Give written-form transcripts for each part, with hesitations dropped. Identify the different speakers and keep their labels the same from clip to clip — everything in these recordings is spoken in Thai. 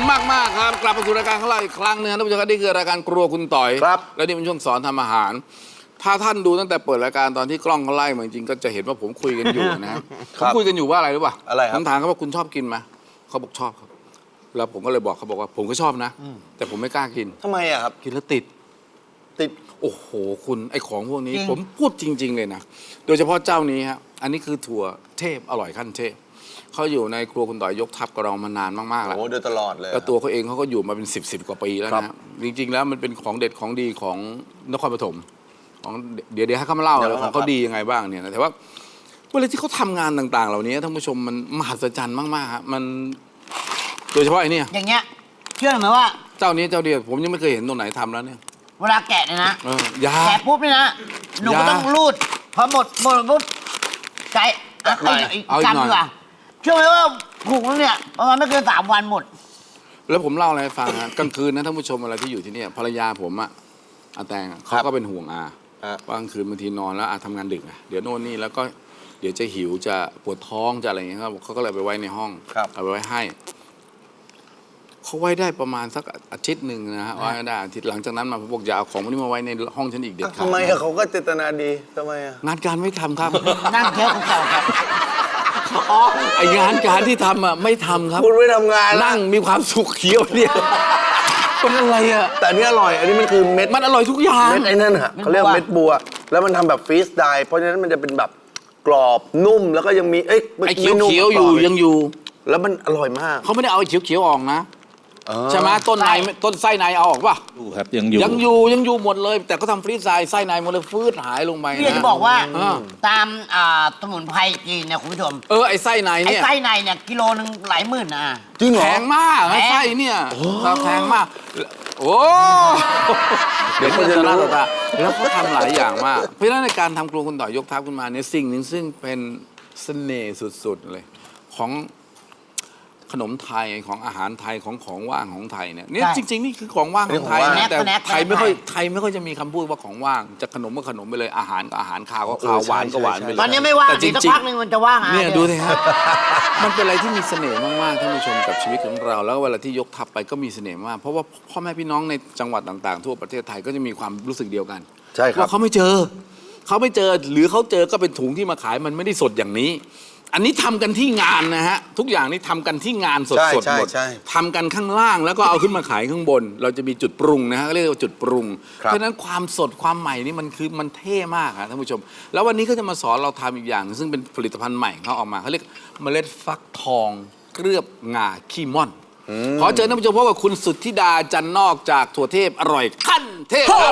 Speaker 1: มากๆครับกลับมาสู่รายการของเราอีกครั้งนึงท่านผู้ชมครับนี่คือรายการครัวคุณต่อย
Speaker 2: ครับ
Speaker 1: และนี่เป็นช่วงสอนทำอาหารถ้าท่านดูตั้งแต่เปิดรายการตอนที่กล้องเขาไล่มาจริงๆก็จะเห็นว่าผมคุยกันอยู่นะครับผมคุยกันอยู่ว่าอะไรรู้ป่ะ
Speaker 2: อะไรครับ
Speaker 1: ผมถามเขาว่าคุณชอบกินไหมเขาบอกชอบครับแล้วผมก็เลยบอกเขาบอกว่าผมก็ชอบนะแต่ผมไม่กล้ากิน
Speaker 2: ทำไมอะครับ
Speaker 1: กินแล้วติด
Speaker 2: ติด
Speaker 1: โอ้โหคุณไอของพวกนี้ผมพูดจริง ๆเลยนะโดยเฉพาะเจ้านี้ครับอันนี้คือถั่วเทพอร่อยขั้นเทพเขาอยู่ในครัวคุณต่อยยกทัพกับเรามานานมากๆแล้ว
Speaker 2: โอ้โดยตลอดเลย
Speaker 1: แล้วตัวเขาเองเขาก็อยู่มาเป็น10 กว่าปีแล้ว
Speaker 2: ครั
Speaker 1: นะ
Speaker 2: บ
Speaker 1: จริงๆแล้วมันเป็นของเด็ดของดีของนครปฐมของเดี๋ยวให้เขามาเล่าเลยของเขาดียังไงบ้างเนี่ยนะแต่ว่าเวลาที่เขาทำงานต่างๆ เหล่านี้ท่านผู้ชมมันมหัศจรรย์มากๆฮะมันโดยเฉพาะไอ้นี่
Speaker 3: อย่างเงี้ยเชื่อไหมว่า
Speaker 1: เจ้านี้เจ้าเดียวผมยังไม่เคยเห็นตัวไหนทำแล้วเนี่ย
Speaker 3: เวลาแกะเนี่ยนะ
Speaker 1: ยา
Speaker 3: แกะปุ๊บเนี่ยนะหนูก็ต้องรูดพอหมดปุ๊บไก่อ่ะอีกกำดีกว่าเชื่อไหมว่าผูกแล้วเนี่ยประมาณไม่เกิน3 วันหมด
Speaker 1: แล้วผมเล่าอะไรให้ฟังนะกลางคืนนะท่านผู้ชมอะไรที่อยู่ที่เนี่ยภรรยาผมอะอาแตงอะเขาก็เป็นห่วงอาว่ากลางคืนบางทีนอนแล้วอาทำงานดึกอะเดี๋ยวโน่นนี่แล้วก็เดี๋ยวจะหิวจะปวดท้องจะอะไรอย่างเงี้ยครับเขาก็เลยไปไว้ในห้องเอาไปไว้ให้เขาไว้ได้ประมาณสักอาทิตย์หนึ่งนะฮะไว้ได้อาทิตย์หลังจากนั้นมาผมบอกอย่าเอาของพวกนี้มาไว้ในห้องฉันอีกเด็ดขาด
Speaker 2: ทำไมอะเขาก็เจตนาดีทำไมอะ
Speaker 1: งานการไม่ทำครับ
Speaker 3: นั่งเที่ยวเก่าครับ
Speaker 1: ไองานการที่ทำอะไม่ทำครับ
Speaker 2: คุณไม่ทำงาน
Speaker 1: นั่งมีความสุขเขียวเนี่ยเป็นอะไรอะ
Speaker 2: แต่อันนี้อร่อย อันนี้มันคือเม็ด
Speaker 1: มันอร่อยทุกอย่าง
Speaker 2: เม็ดไอ้นั่นฮะเขาเรียกเม็ดบัว แล้วมันทำแบบฟรีสไดร์เพราะฉะนั้นมันจะเป็นแบบกรอบนุ่มแล้วก็ยังมี
Speaker 1: ไอ้เขียวๆอยู่ยังอยู่
Speaker 2: แล้วมันอร่อยมาก
Speaker 1: เขาไม่ได้เอาไอ้เขียวๆออกนะใช่ไหมต้นในต้นไส้ในเอาออกป่ะ
Speaker 4: อยู่ครับยังอยู่
Speaker 1: ยังอยู่หมดเลย แต่ก็ทำฟรีซไส้ในหมดเลยฟืดหายลงไป
Speaker 3: พี่จะบอกว่า
Speaker 1: อ่า
Speaker 3: ตามสมุนไพรจีนเนี่ยคุณผู้ชม
Speaker 1: ไอ้ไส้ใน
Speaker 3: ไอ้
Speaker 1: เนี่ย
Speaker 3: ไส้ในเนี่ยกิโลนึงหลายหมื่นนะ
Speaker 2: จริงเหรอ
Speaker 1: แพงมาก
Speaker 3: แพง
Speaker 1: ไส้เนี่ยแพงมากโอ้
Speaker 2: เดี๋ยวเขาจะรู้
Speaker 1: หน้าตาแล้วเขาทำหลายอย่างมากเพราะฉะนั้นในการทำครัวคุณต่อยยกทัพขึ้นมาเนี่ยสิ่งหนึ่งซึ่งเป็นเสน่ห์สุดๆเลยของขนมไทยของอาหารไทยของว่างของไทยเนี่ยจริงๆนี่คือของว่างของไทยนะแต่ไทยไม่ค่อยจะมีคำพูดว่าของว่างจะขนมก็ขนมไปเลยอาหารก็อาหารข้าวก็ข้าวหวานก็หวานไปเลย
Speaker 3: ตอนนี้ไม่ว่าง
Speaker 1: แต่จ
Speaker 3: อีกสัก
Speaker 1: ริง
Speaker 3: พักหนึงมันจะว่าง
Speaker 1: ๆเนี่ยดูสิฮะมันเป็นอะไรที่มีเสน่ห์มากๆท่านผู้ชมกับชีวิตของเรา แล้วเวลาที่ยกทัพไปก็มีเสน่ห์มากเพราะว่าพ่อแม่พี่น้องในจังหวัดต่างๆ ทั่วประเทศไทยก็จะมีความรู้สึกเดียวกัน
Speaker 2: ใช่ครับ
Speaker 1: ว่าเขาไม่เจอหรือเขาเจอก็เป็นถุงที่มาขายมันไม่ได้สดอย่างนี้ อันนี้ทำกันที่งานนะฮะทุกอย่างนี่ทำกันที่งานสดๆหมด
Speaker 2: ใช่
Speaker 1: ทำกันข้างล่างแล้วก็เอาขึ้นมาขายข้างบน เราจะมีจุดปรุงนะฮะเรียกว่าจุดปรุง
Speaker 2: ครับ
Speaker 1: เพราะฉะนั้นความสดความใหม่นี่มันเท่มากครับท่านผู้ชม แล้ววันนี้ก็จะมาสอนเราทำอีกอย่าง ซึ่งเป็นผลิตภัณฑ์ใหม่ของเขาออกมาเขาเรียกเมล็ดฟักทองเคลือบงาขี้ม่อนขอเชิญท่านผู้ชมพบกับคุณสุทธิดาจันนอกจากถั่วเทพอร่อยขั้นเทพครับ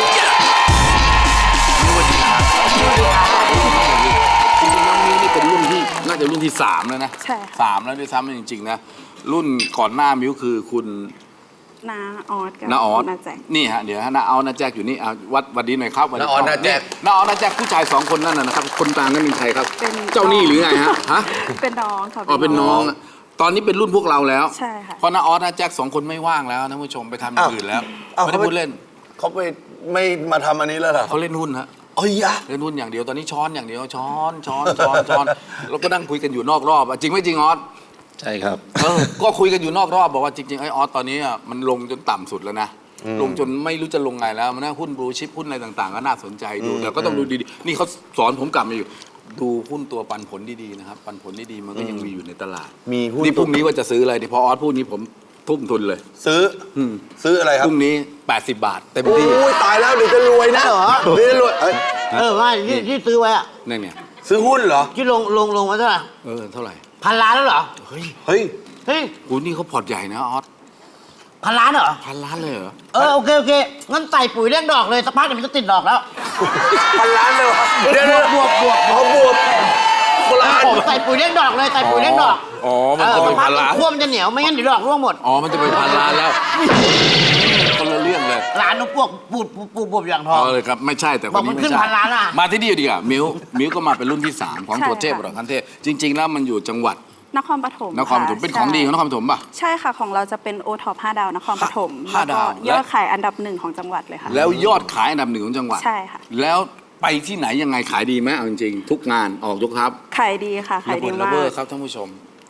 Speaker 1: จริงๆน้องมิ้วนี่เป็นรุ่นที่น่าจะรุ่นที่3แล้วนะ
Speaker 5: ใช่ค่ะ
Speaker 1: 3แล้วด้วยซ้ำจริงๆนะรุ่นก่อนหน้ามิ้วคือคุณ
Speaker 5: น้าออสกับ
Speaker 1: น้าออส
Speaker 5: น้าแจ็ค
Speaker 1: นี่ฮะเดี๋ยวน้าออสน้าแจ็คอยู่นี่วัดดีหน่อยครับ
Speaker 2: น้าออสน้าแจ็ค
Speaker 1: น้าออสน้าแจ็คผู้ชาย2 คนนั่นนะครับคนกลางนั่นเป็นใครครับ
Speaker 5: เป็น
Speaker 1: เจ้าหนี้หรือไงฮะ
Speaker 5: เป็นน้องค่ะ
Speaker 1: อ๋อเป็นน้องตอนนี้เป็นรุ่นพวกเราแล้ว
Speaker 5: ใช่ค่ะ
Speaker 1: เพราะน้าออสน้าแจ็ค2 คนไม่ว่างแล้วท่านผู้ชมไปทำอย่างอื่นแล้วไม่ได้พูดเล่น
Speaker 2: เขาไปไม่มาทำอันนี้แล้วเหรอ
Speaker 1: เขาเล่นหุ้นฮะ
Speaker 2: เอ้ยยะ
Speaker 1: เล่นหุ้นอย่างเดียวตอนนี้ช้อนอย่างเดียวช้อนแล้วก็นั่งคุยกันอยู่นอกรอบจริงไม่จริงออส
Speaker 4: ใช่ครับ
Speaker 1: ก็คุยกันอยู่นอกรอบบอกว่าจริงๆไอ้ออสตอนนี้มันลงจนต่ำสุดแล้วนะลงจนไม่รู้จะลงไงแล้วมันน่าหุ้นบลูชิปหุ้นอะไรต่างๆก็น่าสนใจดูแต่ก็ต้องดูดีๆนี่เขาสอนผมกลับมาอยู่ดูหุ้นตัวปันผลดีๆนะครับปันผลดีๆมันก็ยังมีอยู่ในตลาด
Speaker 2: มีหุ้น
Speaker 1: นี่พรุ่งนี้ว่าจะซื้ออะไรที่พอออสพูดนี้ผมทุ่มทุนเลย
Speaker 2: ซื้ออะไรค
Speaker 1: พ
Speaker 2: รับ
Speaker 1: รุ่งนี้80 บาทเต็ม
Speaker 2: โอ้
Speaker 1: ที่
Speaker 2: ยตายแล้วเดี๋ยวจะรวยนะเหรอเดี๋ยวจะรวย
Speaker 3: ว่าที่ซื้อไว้อะ
Speaker 1: เนี่ย
Speaker 2: ซื้อหุ้นเหรอ
Speaker 3: ที่ลงมาเท่าไหร่
Speaker 1: เท่าไหร่
Speaker 3: 1,000 ล้านแล้วเหรอ
Speaker 1: เฮ้ย
Speaker 2: เฮ้ย
Speaker 3: เฮ้ย
Speaker 1: กูนี่เขาพอร์ตใหญ่นะออส
Speaker 3: 1,000 ล้านเหรอ
Speaker 1: 1,000 ล้านเลยเหรอ
Speaker 3: โอเคงั้นใส่ปุ๋ยเลี้ยงดอกเลยสักพักเดี๋ยวมันจะติดดอกแล้ว
Speaker 2: 1,000 ล้านเลยวะเดี๋ยว
Speaker 3: บวก
Speaker 2: เขาบวกคนละอัน
Speaker 3: ใส่ปุ๋ยเลี้ยงดอกเลยใส่ปุ๋ยเลี้ยงดอก
Speaker 1: อ๋อมันจะ
Speaker 3: สั
Speaker 1: เป็
Speaker 3: ก
Speaker 1: น
Speaker 3: พัก
Speaker 1: 1,000 ล้าน
Speaker 3: ขั้วมันจะเหนียวไม่งั้นเดี๋ยวดอกร่วงหมด
Speaker 1: อ๋อมันจะเป็น1,000 ล้านแล้วคนละเรื่องเลย
Speaker 3: ร้านนุ๊กพวกปูดอย่างทอง
Speaker 1: เลยครับไม่ใช่แต่คน
Speaker 3: บอกมั
Speaker 1: นี้
Speaker 3: น
Speaker 1: ไม่
Speaker 3: ขึ้น
Speaker 1: ใช่
Speaker 3: 1,000 ล้านอะ
Speaker 1: มาที่นี่ดีกว่ามิวก็มาเป็นรุ่นที่ 3 ของ
Speaker 5: ใช่
Speaker 1: ตัวเทพ
Speaker 5: ค่ะ
Speaker 1: หรอกคันเทพจริง ๆ แล้วมันอยู่จังหวัด
Speaker 5: นครปฐม
Speaker 1: นครปฐม
Speaker 5: ค่ะ
Speaker 1: เป็นของดีของนครปฐมป่ะ
Speaker 5: ใช่ค่ะของเราจะเป็นโอท็อป5 ดาวนครปฐม
Speaker 1: ห้าดาว
Speaker 5: ก็ยอดขายอันดับ 1ของจังหวัดเลยค่ะ
Speaker 1: แล้วยอดขายอันดับ 1ของจังหวัด
Speaker 5: ใช่ค่ะ
Speaker 1: แล้วไปที่ไหนยังไงขายดีไหมเอาจริงๆทุกงานออกยกทัพ
Speaker 5: ขายดีค่ะขายดี
Speaker 1: ระ
Speaker 5: มา
Speaker 1: เบิด
Speaker 5: ก
Speaker 1: ครับท่านผู้ชม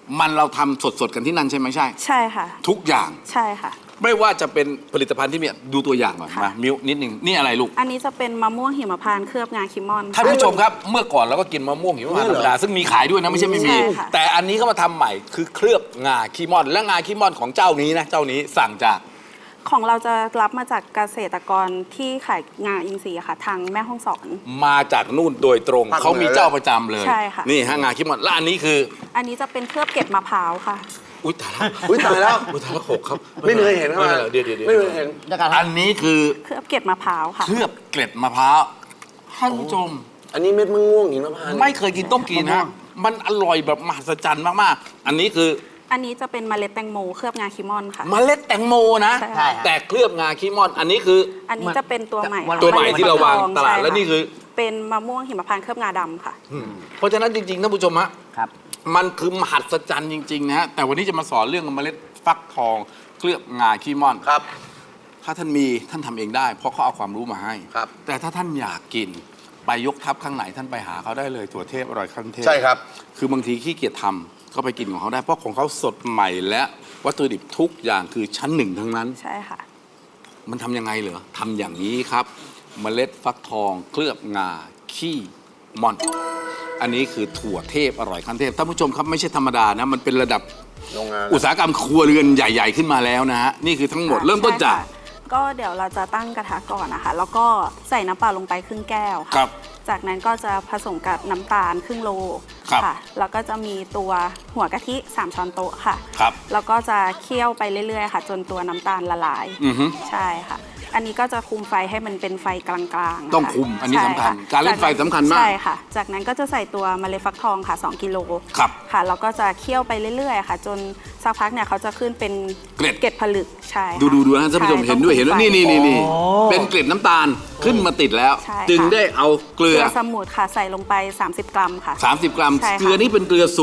Speaker 1: มันเราทำสดๆกันที่นั่นใช่ไหมใช่
Speaker 5: ใช่ค่ะ
Speaker 1: ทุกอย่าง
Speaker 5: ใช่ค่ะ
Speaker 1: ไม่ว่าจะเป็นผลิตภัณฑ์ที่มีดูตัวอย่างก่อน
Speaker 5: ค่ะ
Speaker 1: มามิ้วนิดนึงนี่อะไรลูก
Speaker 5: อันนี้จะเป็นมะม่วงหิมพานต์เคลือบงาคิมอน
Speaker 1: ท่านผู้ชมครับเมื่อก่อนเราก็กินมะม่วงหิมพานต์ธรรมดาซึ่งมีขายด้วยนะไม่ใช่ไม่มี
Speaker 5: ใช่ค่ะ
Speaker 1: แต่อันนี้เขามาทำใหม่คือเคลือบงาคีมอนและงาคีมอนของเจ้านี้นะเจ้านี้สั่งจาก
Speaker 5: ของเราจะรับมาจากเกษตรกรที่ขายงาอินทรีย์ค่ะ ทางแม่ฮ่องสอน
Speaker 1: มาจากนู่นโดยตรง
Speaker 2: ภาคเหนือ
Speaker 1: เขามีเจ้าประจำเลย
Speaker 5: ใช่ค่ะ
Speaker 1: นี่ฮะงาคีมอนและอันนี้คือ
Speaker 5: อันนี้จะเป็นเคลือบเก็บมะพร้าวค่ะ
Speaker 1: อุ้ยตายแล้ว
Speaker 2: อุ้ยตายแล้ว
Speaker 1: อุ้ยตายแล้วหกครับ
Speaker 2: ไม่เคยเห็น
Speaker 1: ไม่
Speaker 2: เข้ามา
Speaker 1: เป็นไรเดี๋ยว
Speaker 2: ไม่เคยเห็น
Speaker 3: เดี๋ยวกันค
Speaker 1: อั
Speaker 3: รับ
Speaker 1: นนี้คือ
Speaker 5: เคลือบเก็บมะพร้าวค่ะ
Speaker 1: เคลือบเกล็ดมะพร้าวท่านผู้ชม
Speaker 2: อันนี้เม็ดมะม่วงหิมพานต์
Speaker 1: ไม่เคยกินต้องกินฮะมันอร่อยแบบมหัศจรรย์มากๆ อันนี้คือ
Speaker 5: อันนี้จะเป็นเมล็ดแตงโมเคลือบงาคิมอนค่ะ
Speaker 1: เมล็ดแตงโมนะ
Speaker 5: ใช่
Speaker 3: ใช่
Speaker 5: ค่ะ
Speaker 1: แต่เคลือบงาคีมอน อันนี้คือ
Speaker 5: อันนี้จะเป็นตัวใหม่
Speaker 1: ตัวใหม่ที่เราวางตลาด
Speaker 5: ใช่
Speaker 1: แล้วนี่คือ
Speaker 5: เป็นมะม่วงหิมพานต์เคลือบงาดำค่ะ
Speaker 1: เพราะฉะนั้นจริงๆท่านผู้ชมฮะ
Speaker 3: ครับ
Speaker 1: มันคือมหัศจรรย์จริงๆนะฮะแต่วันนี้จะมาสอนเรื่องเมล็ดฟักทองเคลือบงาคีมอน
Speaker 2: ครับ
Speaker 1: ถ้าท่านมีท่านทำเองได้ เพราะเขาเอาความรู้มาให้
Speaker 2: ครับ
Speaker 1: แต่ถ้าท่านอยากกินไปยกทัพข้างไหนท่านไปหาเขาได้เลยถั่วเทพอร่อยขั้นเทพ
Speaker 2: ใช่ครับ
Speaker 1: คือบางทีขี้เกียจทำก็ไปกินของเขาได้เพราะของเขาสดใหม่และวัตถุดิบทุกอย่างคือชั้นหนึ่งทั้งนั้น
Speaker 5: ใช่ค่ะ
Speaker 1: มันทำยังไงเหรอทำอย่างนี้ครับ เมล็ดฟักทองเคลือบงาขี้ม่อน อันนี้คือถั่วเทพอร่อยขั้นเทพท่านผู้ชมครับไม่ใช่ธรรมดานะมันเป็นระดับ
Speaker 2: โรงงาน
Speaker 1: อุตสาหกรรมครัวเรือนใหญ่ ๆ ขึ้นมาแล้วนะฮะนี่คือทั้งหมดเริ่มต้นจาก
Speaker 5: ใช่ค่ะก็เดี๋ยวเราจะตั้งกระทะก่อนนะคะ แล้วก็ใส่น้ำเปล่าลงไปครึ่งแก้ว
Speaker 1: ครั
Speaker 5: ค่ะ
Speaker 1: บ
Speaker 5: จากนั้นก็จะผสมกับน้ำตาลครึ่งโล
Speaker 1: ครับ
Speaker 5: ค่ะ แล้วก็จะมีตัวหัวกะทิ 3 ช้อนโต๊ะค่ะ
Speaker 1: ครับ
Speaker 5: แล้วก็จะเคี่ยวไปเรื่อยๆค่ะ จนตัวน้ำตาลละลาย
Speaker 1: อือฮึ
Speaker 5: ใช่ค่ะ อันนี้ก็จะคุมไฟให้มันเป็นไฟกลางๆนะคะ
Speaker 1: ต้องคุมอันนี้สำคัญ
Speaker 5: ใช่ะ
Speaker 1: การเล่นไฟสำคัญมาก
Speaker 5: ใช่ค่ะ จากนั้นก็จะใส่ตัวเมล็ดฟักทองค่ะ2 กิโล
Speaker 1: ครับ
Speaker 5: ค่ะแล้วก็จะเคี่ยวไปเรื่อยๆค่ะ จนสักพักเนี่ยเขาจะขึ้นเป็น
Speaker 1: เกล็ด
Speaker 5: ผลึกใช่ค่ะ
Speaker 1: ดูนะท่านผู้ชม
Speaker 5: ใ
Speaker 1: เห็นด้วย
Speaker 5: ต้อง
Speaker 1: เห็นด้วย
Speaker 5: คุมไฟ
Speaker 1: นี่เป็นเกล็ดน้ำตาลขึ้นมาติดแล้ว
Speaker 5: ใช่ค่ะ
Speaker 1: จึงได้เอาเกลื
Speaker 5: เก
Speaker 1: อ
Speaker 5: ลือสมุนค่ะใส่ลงไป 30 กรัมค่ะ
Speaker 1: 30 กรัม
Speaker 5: ใช่ค่ะ
Speaker 1: เกลือนี่เป็นเกลือ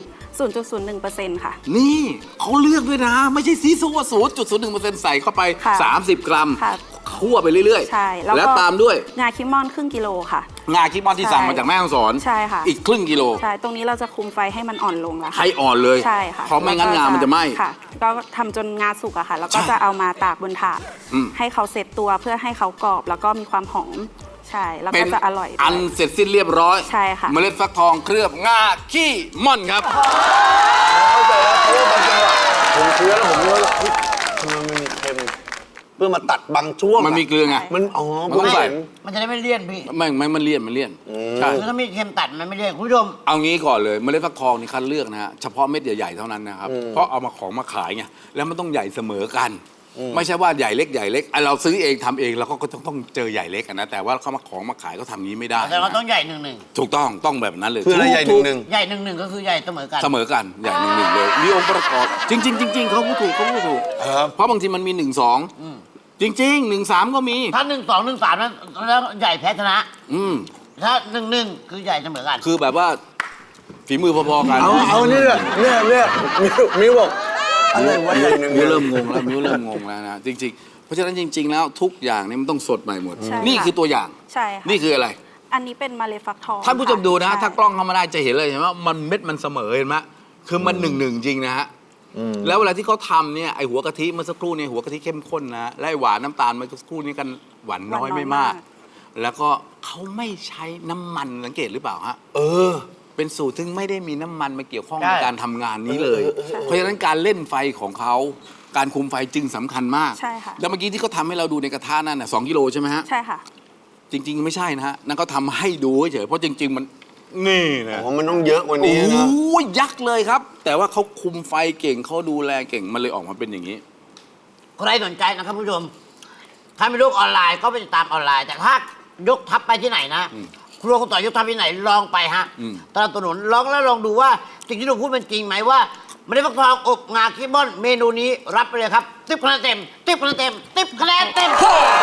Speaker 5: 0.01%ค่ะ
Speaker 1: นี่เขาเลือกด้วยนะ ไม่ใช่ซีซัว0.01%ใส่เข้าไป
Speaker 5: ค่ะ
Speaker 1: 30 กรัม
Speaker 5: ค่ะ
Speaker 1: คั่วไปเรื่อย
Speaker 5: ใช่
Speaker 1: แล้วตามด้วย
Speaker 5: งาคิมอนครึ่งกิโลค่ะ
Speaker 1: งาคิมอนที่สั่งมาจากแม่ฮ่องสอน
Speaker 5: ใช่ค่ะ
Speaker 1: อีกครึ่งกิโล
Speaker 5: ใช่ ตรงนี้เราจะคุมไฟให้มันอ่อนลงแล้ว
Speaker 1: ให้
Speaker 5: ค่ะ
Speaker 1: อ่อนเลย
Speaker 5: ใช่ค่ะ
Speaker 1: เพราะไม่งั้นงามันจะไหม้
Speaker 5: ค่ะ ก็ทำจนงาสุกอะค่ะ แล้วก็
Speaker 1: ใช่
Speaker 5: จะเอามาตากบนถาด
Speaker 1: อืม
Speaker 5: ให้เขาเซตตัวเพื่อให้เขากรอบ แล้วก็มีความหอม ใช่ แล้ว
Speaker 1: เป็
Speaker 5: ก็
Speaker 1: น
Speaker 5: จะอร่อยด้วย
Speaker 1: อันเสร็จสิ้นเรียบร้อย
Speaker 5: ใช่ค่ะ
Speaker 1: เมล็ดฟักทองเคลือบงาขี้ม่อนครับ
Speaker 2: เข้าใจแล้วเพราะว่าบางจังหวะผมเคี้ยวแล้วผมรู้ว่าเฮ้ยทำไมมันมีเค็มเพื่อมาตัดบางช่วง
Speaker 1: มันมีเกลือไง
Speaker 2: มันอ๋อ
Speaker 1: มันต้องใส่
Speaker 2: เห็น
Speaker 3: มันจะได้ไม่เลี่ยนพี่
Speaker 1: ไม่มันเลี่ยนใช่
Speaker 3: คือถ้ามีเค็มตัดมันไม่เลี่ยนคุณผู้ชม
Speaker 1: เอางี้ก่อนเลยเมล็ดฟักทองนี่คัดเลือกนะฮะเฉพาะเม็ดใหญ่ๆเท่านั้นนะครับ เพราะเอามาของมาขายไงแล้วมันต้องใหญ่เสมอกัน ไม่ใช่ว่าใหญ่เล็กไอ้เราซื้อเองทำเองเราก็ต้องเจอใหญ่เล็กอะนะแต่ว่าเขามาของมาขายก็ทำงี้ไม่ได้
Speaker 3: แต่เราต้องใหญ่หนึ่ง
Speaker 1: ถูกต้องแบบนั้นเลย
Speaker 2: เพื่ออะไรใหญ่ห
Speaker 1: ถูก
Speaker 2: นึ่ง
Speaker 3: ใหญ่หนึ่งก็คือใหญ่เสมอกัน
Speaker 1: เสมอกันใหญ่หนึ่งเลยมีองค์ประกอบจริงเขาพูดถูกเพราะบางทีมันมี1 2จริงๆ1 3ก็มี
Speaker 3: ถ้า1 2 1 3นั้นแล้วใหญ่แพ้ชนะ
Speaker 1: อืม
Speaker 3: ถ้า1 คือใหญ่เสมอกัน
Speaker 1: คือแบบว่าฝีมือพอๆกัน
Speaker 2: เอาเนี่ยมิวบอกอะไรวะใหญ่หนึ่ง
Speaker 1: มิวเริ่มงงแล้วนะจริงๆเพราะฉะนั้นจริง ๆ แล้วทุกอย่างเนี่ยมันต้องสดใหม่หมด
Speaker 5: ใช่ค่ะ
Speaker 1: นี่คือตัวอย่าง
Speaker 5: ใช่ค่ะ
Speaker 1: นี่คืออะไร
Speaker 5: อันนี้เป็นเมล็ดฟักทอง
Speaker 1: ท่านผู้ชมดูนะ
Speaker 5: ค่
Speaker 1: ถ้ากล้องเข้ามาได้จะเห็นเลยเห็นว่ามันเม็ดมันเสมอเห็นไหมคือมัน1 1จริงนะฮะแล้วเวลาที่เขาทำเนี่ยไอหัวกะทิเมื่อสักครู่เนี่ยหัวกะทิเข้มข้นนะและไอ้หวานน้ำตาลเมื่อสักครู่นี้กันหวานน้อยไม่มาก แล้วก็เขาไม่ใช้น้ำมันสังเกตหรือเปล่าฮะเป็นสูตรซึ่งไม่ได้มีน้ำมันมาเกี่ยวข้อง
Speaker 3: ใช่
Speaker 1: ในการทำงานนี้เลย เพราะฉะนั้นการเล่นไฟของเขาการคุมไฟจึงสำคัญมาก
Speaker 5: ใช่ค่ะ
Speaker 1: แล้วเมื่อกี้ที่เขาทำให้เราดูในกระทะนั่นน่ะ2 กิโลใช่ไหมฮะ
Speaker 5: ใช่ค่ะ
Speaker 1: จริงๆไม่ใช่นะฮะนั่นเขาทำให้ดูเฉยๆเพราะจริง ๆ มันนี่นะ
Speaker 2: อ๋อมันต้องเยอะกว่า
Speaker 1: โอ้
Speaker 2: นี้นะ
Speaker 1: ยยักษ์เลยครับ แต่ว่าเขาคุมไฟเก่งเขาดูแลเก่งมันเลยออกมาเป็นอย่างนี้
Speaker 3: ใครสนใจนะครับผู้ชม ถ้ามีโลกออนไลน์ก็ไปติดตามออนไลน์ แต่ถ้ายกทัพไปที่ไหนนะครัวคุณต่อยกทัพที่ไหนลองไปฮะ
Speaker 1: อืม
Speaker 3: ตลาดถนนลองแล้วลองดูว่าสิ่งที่เราพูดเป็นจริงไหมว่าไม่ได้ฟักทองอบงาคิมอนเมนูนี้รับไปเลยครับ10 คะแนนเต็ม10 คะแนนเต็ม10 คะแนนเต็ม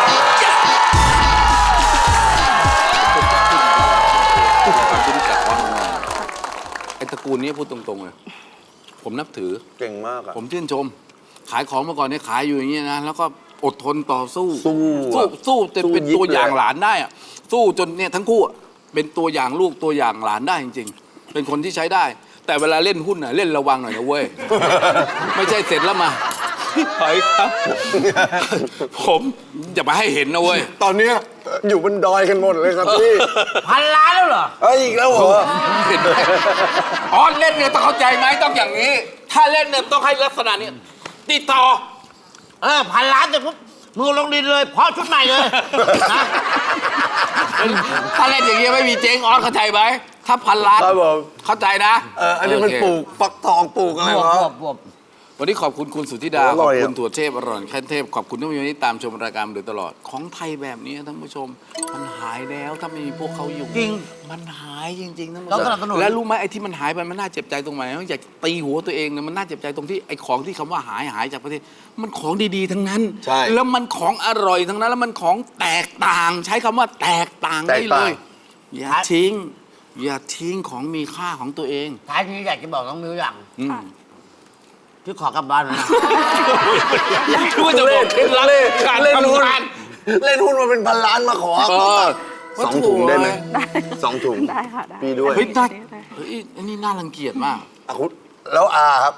Speaker 1: ความที่รู้จักว่าไอ้ตระกูลนี้พูดตรงๆเลยผมนับถือ
Speaker 2: เก่งมากอะ
Speaker 1: ผมชื่นชม ขายของมาก่อนเนี่ยขายอยู่อย่างนี้นะแล้วก็อดทนต่อสู้
Speaker 2: สู้
Speaker 1: จนเป็น
Speaker 2: ยิบ
Speaker 1: ตัวอย่าง
Speaker 2: เลย
Speaker 1: หลานได้อะสู้จนเนี่ยทั้งคู่อะเป็นตัวอย่างลูกตัวอย่างหลานได้จริง ๆ เป็นคนที่ใช้ได้แต่เวลาเล่นหุ้นน่ะเล่นระวังหน่อยนะเว้ย ไม่ใช่เสร็จแล้วมาพี่หอยครับ ผมอย่ามาให้เห็นนะเว้ย
Speaker 2: ตอนเนี้ยอยู่บนดอยกันหมดเลยครับพี่
Speaker 3: 1,000 ล้านแล้วเหรอ
Speaker 2: เอ้ยอีกแล้วเหรอ
Speaker 1: เห็นไหมอ๋อเล่นเนี่ยต้องเข้าใจไหมต้องอย่างนี้ ถ้าเล่นเนี่ยต้องให้ลักษณะนี้ติดต่อ
Speaker 3: 1,000 ล้านเสร็จปุ๊บมึงลงดินเลยเพราะชุดใหม่เลยนะ
Speaker 1: ถ้าเล่นอย่างนี้ยไม่มีเจ๊งออสเข้าใจไหมถ้า1,000 ล้าน
Speaker 2: ครับผม
Speaker 1: เข้าใจนะ
Speaker 2: อันนี้มัน
Speaker 1: โเค
Speaker 2: ปลูกฟักทองปลูกอะไรวะ
Speaker 3: บวบ
Speaker 1: วันนี้ขอบคุณคุณสุทธิดา
Speaker 2: อ
Speaker 1: ข
Speaker 2: ร่
Speaker 1: อบ
Speaker 2: อยอะ
Speaker 1: คุณถั่วเทพอร่อยแค่เทพขอบคุณท่านผู้ชมที่ตามชมรายการมาโดยตลอดของไทยแบบนี้ท่านผู้ชมมันหายแล้วถ้าไม่มีพวกเขาอยู่
Speaker 3: จริง
Speaker 1: มันหายจริงๆท่านผู้
Speaker 3: ต้
Speaker 1: ช
Speaker 3: อง
Speaker 1: ม
Speaker 3: สนับสนุน
Speaker 1: แล้วรู้ไหมไอ้ที่มันหายไปมันน่าเจ็บใจตรงไหนอยากตีหัวตัวเองเนี่ยมันน่าเจ็บใจตรงที่ไอ้ของที่คำว่าหายจากประเทศมันของดีๆทั้งนั้น
Speaker 2: ใช่
Speaker 1: แล้วมันของอร่อยทั้งนั้นแล้วมันของแตกต่าง ใช้คำว่าแตกต่างได้
Speaker 2: แตก
Speaker 1: เล
Speaker 2: ต่าง
Speaker 1: ยอย่าทิ้งอย่าทิ้งของมีค่าของตัวเอง
Speaker 3: ท้ายนี้อยากจะบอกน้องมิวอย่าง
Speaker 1: อืม
Speaker 3: ที่ขอกลับบ้านนะ
Speaker 1: คือว่าจะบอกเคล็ดลับการ
Speaker 2: เล่นหุ้
Speaker 1: ทำ
Speaker 2: น
Speaker 1: งาน
Speaker 2: เล่นหุ้นมาเป็นพันล้านมาขอ
Speaker 1: เออ
Speaker 2: สองถุงได้ไหมสองถุง
Speaker 5: ได้ค่ะได้
Speaker 2: พี่ด้วย
Speaker 1: เฮ้ยน่า
Speaker 5: ได้
Speaker 1: เฮ้ยอันนี้น่ารังเกียจมาก
Speaker 2: อ่ะคุณแล้วอาครับ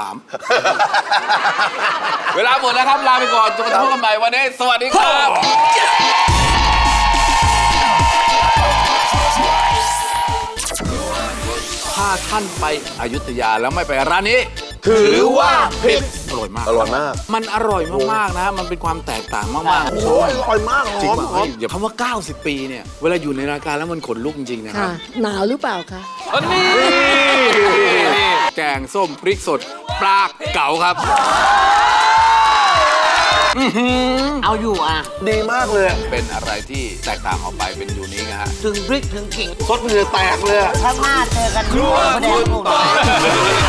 Speaker 1: 3 เวลาหมดแล้วครับ ลาไปก่อนจนกระทั่งพบกันใหม่วันนี้ สวัสดีครับ ถ้าท่านไปอยุธยาแล้วไม่ไปร้านนี้
Speaker 2: ถือว่าผิด
Speaker 1: อร่อยมาก
Speaker 2: อร่อยมาก
Speaker 1: มันอร่อยมากๆนะ มันเป็นความแตกต่างมากๆ
Speaker 2: โอ้ยอร่อยมากห
Speaker 1: จริง
Speaker 2: อม
Speaker 1: ป่ะ
Speaker 2: หอม
Speaker 1: เดี๋ยวคำว่า 90 ปีเนี่ย เวลาอยู่ในรายการแล้วมันขนลุกจริงๆนะครั
Speaker 4: ค่ะ
Speaker 1: บ
Speaker 4: หนาวหรือเปล่าคะ
Speaker 1: อันนี้แกงส้มพริกสดปลาเก๋าครับ
Speaker 3: เอาอยู่อ่ะ
Speaker 2: ดีมากเลย
Speaker 1: เป็นอะไรที่แตกต่างออกไปเป็นยูนิคนะฮะ
Speaker 3: ถึงพริกถึงกิ่ง
Speaker 2: ซดเหงื่อแตกเลยอะ
Speaker 3: ถ้ามาเจอกัน
Speaker 1: ครัว
Speaker 3: ไม่ได้
Speaker 1: คุณ
Speaker 3: พูด
Speaker 1: ต่อย